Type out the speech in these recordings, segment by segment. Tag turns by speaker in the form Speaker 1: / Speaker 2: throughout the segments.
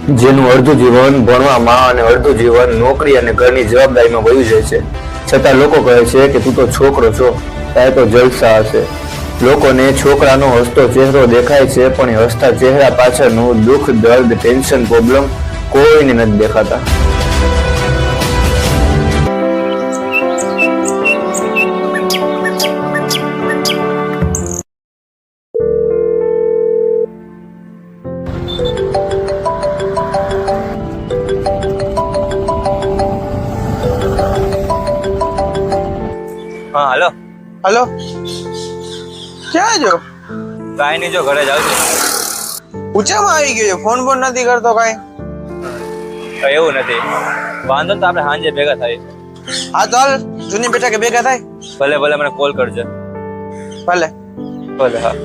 Speaker 1: જેનું અડધું જીવન ભણવામાં અને અડધું જીવન નોકરી અને ઘરની જવાબદારીમાં વયું જાય છે, છતાં લોકો કહે છે કે તું તો છોકરો છો, તારે તો જલસા હશે. લોકોને છોકરાનો હસતો ચહેરો દેખાય છે, પણ એ હસતા ચહેરા પાછળનું દુઃખ, દર્દ, ટેન્શન, પ્રોબ્લેમ કોઈને નથી દેખાતા.
Speaker 2: હા હલો.
Speaker 3: હલો, ક્યાં છો?
Speaker 2: કાંઈ નહીં, જો ઘરે જાવ છું.
Speaker 3: ઊંચામાં આવી ગયો છો, ફોન ફોન નથી કરતો કાંઈ?
Speaker 2: કઈ એવું નથી, વાંધો તો આપણે સાંજે ભેગા થાય.
Speaker 3: હા તો હાલ જૂની બેઠા કે ભેગા થાય.
Speaker 2: ભલે ભલે, મને કોલ કરજે.
Speaker 3: ભલે
Speaker 2: ભલે. હા.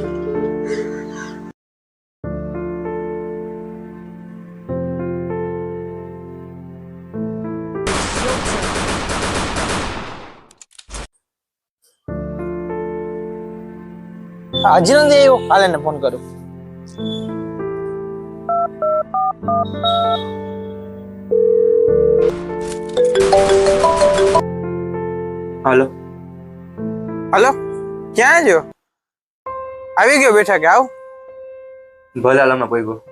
Speaker 3: હજી નથી આવ્યો, હાલ એને ફોન કરું.
Speaker 2: હાલો.
Speaker 3: હલો, ક્યાં છો? આવી ગયો બેઠા કે આવ?
Speaker 2: ભલે હાલ, હમણાં પહોંચ્યો.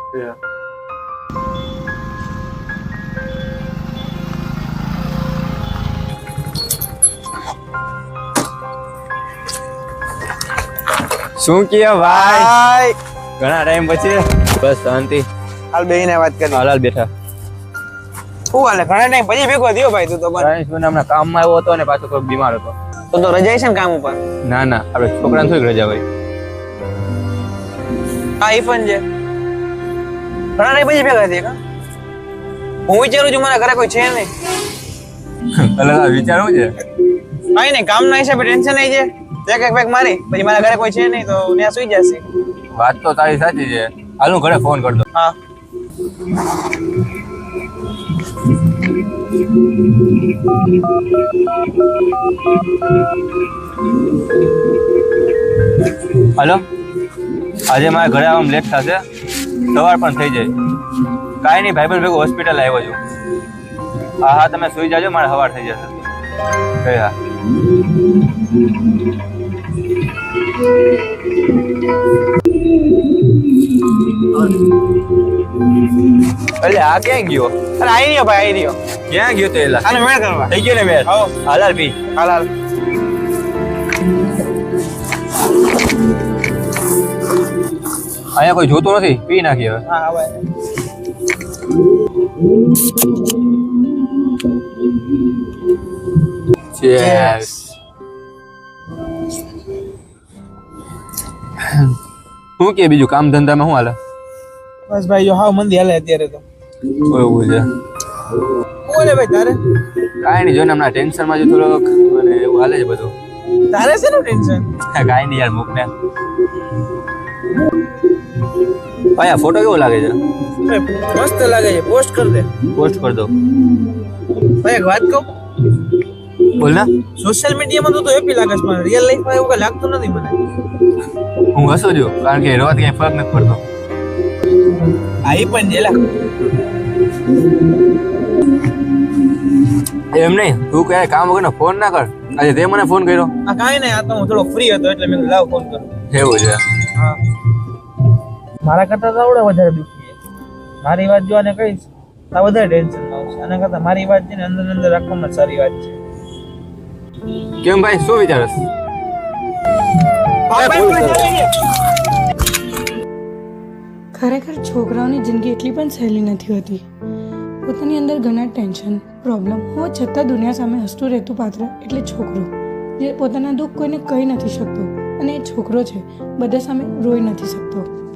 Speaker 2: શું કે ભાઈ, ઘણા ટાઈમ પછી? બસ શાંતિ.
Speaker 3: હાલ બેહીને વાત કરી.
Speaker 2: હાલ બેઠા.
Speaker 3: શું હાલે? ઘણા ટાઈમ પછી ભેગો થયો ભાઈ તું તો.
Speaker 2: હમણાં કામમાં આવ્યો હતો ને પાછો થોડોક બીમાર હતો.
Speaker 3: તો રજા છે ને કામ ઉપર?
Speaker 2: ના ના, આપણે છોકરાને થોડીક રજા હોય.
Speaker 3: હા એ પણ છે. ઘણા ટાઈમ પછી ભેગા થયા કા? હું વિચારું છું મારા ઘરે કોઈ છે નહીં.
Speaker 2: એટલે વિચારવું છે
Speaker 3: કઈ નહીં, કામના હિસાબે ટેન્શન નહીં છે. એક એક પેક મારી પછી મારા ઘરે કોઈ છે નહીં તો ત્યાં સુઈ જશે.
Speaker 2: વાત તો તારી સાચી છે. હાલ હું ઘરે ફોન કરી દઉં.
Speaker 3: હા.
Speaker 2: હલો, આજે મારા ઘરે આવવામાં લેટ થશે, સવાર પણ થઈ જાય. કાંઈ નહીં, ભાઈબંધ ભેગું હોસ્પિટલ આવ્યો છું. હા હા, તમે સુઈ જાજો, મારે સવાર થઈ જશે. હા. એટલે આ ક્યાં ગયો?
Speaker 3: અરે આવી રહ્યો ભાઈ, આવી રહ્યો.
Speaker 2: ક્યાં ગયો તો એલા?
Speaker 3: આને મેળ કરવા
Speaker 2: થઈ ગયો ને મેળ?
Speaker 3: હાલ
Speaker 2: હાલ પી.
Speaker 3: હાલ.
Speaker 2: અહીંયા કોઈ જોતું નથી, પી નાખી હવે.
Speaker 3: હા ભાઈ.
Speaker 2: Cheers. શું કે બીજું કામ ધંધામાં શું હાલે?
Speaker 3: બસ ભાઈ જો હાવ મંદી હાલે અત્યારે તો.
Speaker 2: એવું છે.
Speaker 3: બોલે ભાઈ તારે?
Speaker 2: કાંઈ નહીં, જોઈને હમણાં ટેન્શનમાં જો થોડોક અને એવું હાલે છે બધું.
Speaker 3: તારે શેનું ટેન્શન?
Speaker 2: કાંઈ નહીં યાર, મૂક ને. ભાઈ આ ફોટો કેવો લાગે છે?
Speaker 3: મસ્ત લાગે છે, પોસ્ટ કર દે.
Speaker 2: પોસ્ટ કરી દો.
Speaker 3: ભાઈ એક વાત કહું,
Speaker 2: બોલ ને.
Speaker 3: સોશિયલ મીડિયામાં તો હેપી લાગે છે, પણ રિયલ લાઈફમાં એવું કઈ લાગતું નથી મને.
Speaker 2: હું હસું છું કારણ કે રોજ કઈ ફરક નથી પડતો.
Speaker 3: આ ઈ પણ જેલા
Speaker 2: એમ નહીં, તું ક્યારે કામ વગરનો ફોન ના કર. આજે તે મને ફોન કર્યો.
Speaker 3: આ કાંઈ નહીં, આ તો હું થોડો ફ્રી હતો એટલે મેં લાવ ફોન કર્યો.
Speaker 2: એવું છે.
Speaker 3: હા, મારા કરતા તો આવડે વધારે દુખી છે. મારી વાત જો આને કહીશ તો વધારે ટેન્શન આવશે. આના કરતા મારી વાત છે ને અંદર અંદર રાખવામાં સારી વાત છે.
Speaker 2: કેમ ભાઈ, શું વિચારસ?
Speaker 4: ખરેખર છોકરાઓની જિંદગી એટલી પણ સહેલી નથી હોતી. પોતાની અંદર ઘણા ટેન્શન, પ્રોબ્લેમ હોવા છતાં દુનિયા સામે હસતું રહેતું પાત્ર એટલે છોકરો, જે પોતાના દુઃખ કોઈને કહી નથી શકતો અને એ છોકરો છે, બધા સામે રોઈ નથી શકતો.